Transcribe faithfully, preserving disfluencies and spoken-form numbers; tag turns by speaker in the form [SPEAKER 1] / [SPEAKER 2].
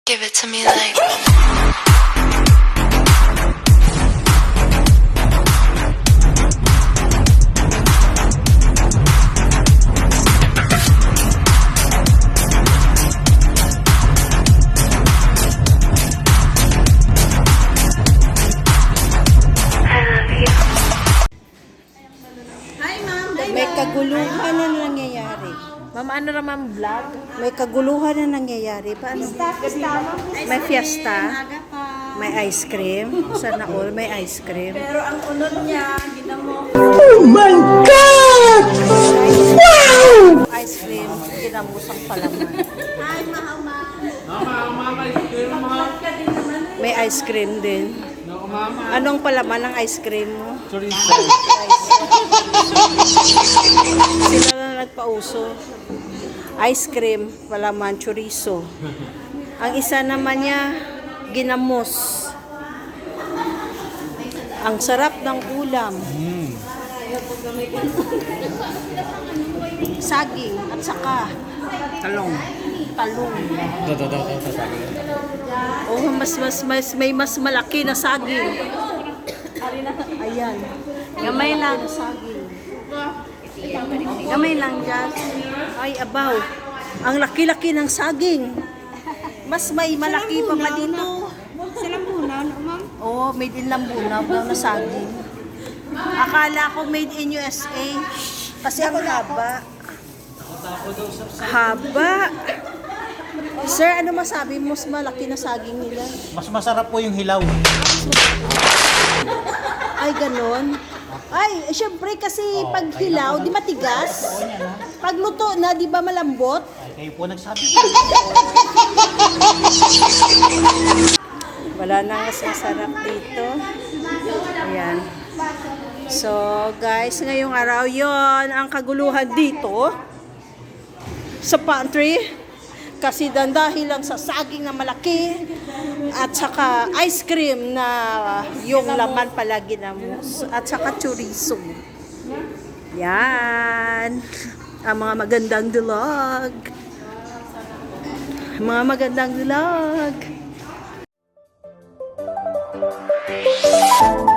[SPEAKER 1] Give it to me like.
[SPEAKER 2] May kaguluhan na nangyayari.
[SPEAKER 3] Ma'am, ano naman vlog?
[SPEAKER 2] May kaguluhan na nangyayari. Paano? May fiesta. May ice cream. Sana all may ice cream.
[SPEAKER 3] Pero ang unod niya, ginamo.
[SPEAKER 2] Oh my God! Wow! Ice cream. Ginamusang palaman.
[SPEAKER 3] Ay, mahama.
[SPEAKER 2] May ice cream din. Anong palaman ng ice cream mo? Sila na nagpauso. Ice cream, palaman, chorizo. Ang isa naman niya, ginamos. Ang sarap ng ulam. Saging at saka
[SPEAKER 4] Talong.
[SPEAKER 2] talong.
[SPEAKER 4] Ito, ito, ito, ito, sabi.
[SPEAKER 2] Oh, mas, mas, mas, may mas malaki na saging. Ayan.
[SPEAKER 3] Gamay lang.
[SPEAKER 2] Saging.
[SPEAKER 3] Gamay lang dyan.
[SPEAKER 2] Ay, abaw. Ang laki-laki ng saging. Mas may malaki pa pa dito.
[SPEAKER 3] Sa lambunan, ma'am?
[SPEAKER 2] Oo, oh, made in Lambunaw daw na saging. Akala ko made in U S A. Kasi ang haba. Haba. Sir, ano masabi mo? Mas malaki na saging nila.
[SPEAKER 4] Mas masarap po yung hilaw.
[SPEAKER 2] Ay, ganon. Ay, syempre kasi pag hilaw, di matigas. Pag luto na, di ba malambot?
[SPEAKER 4] Ay, kayo po nagsabi.
[SPEAKER 2] Wala na mas masarap dito. Ayan. So, guys, ngayong araw yon ang kaguluhan dito sa pantry. Kasi dan dahil lang sa saging na malaki at saka ice cream na yung laman pala ginamos at saka chorizo. Yan. Ang mga magandang vlog. Mga magandang vlog.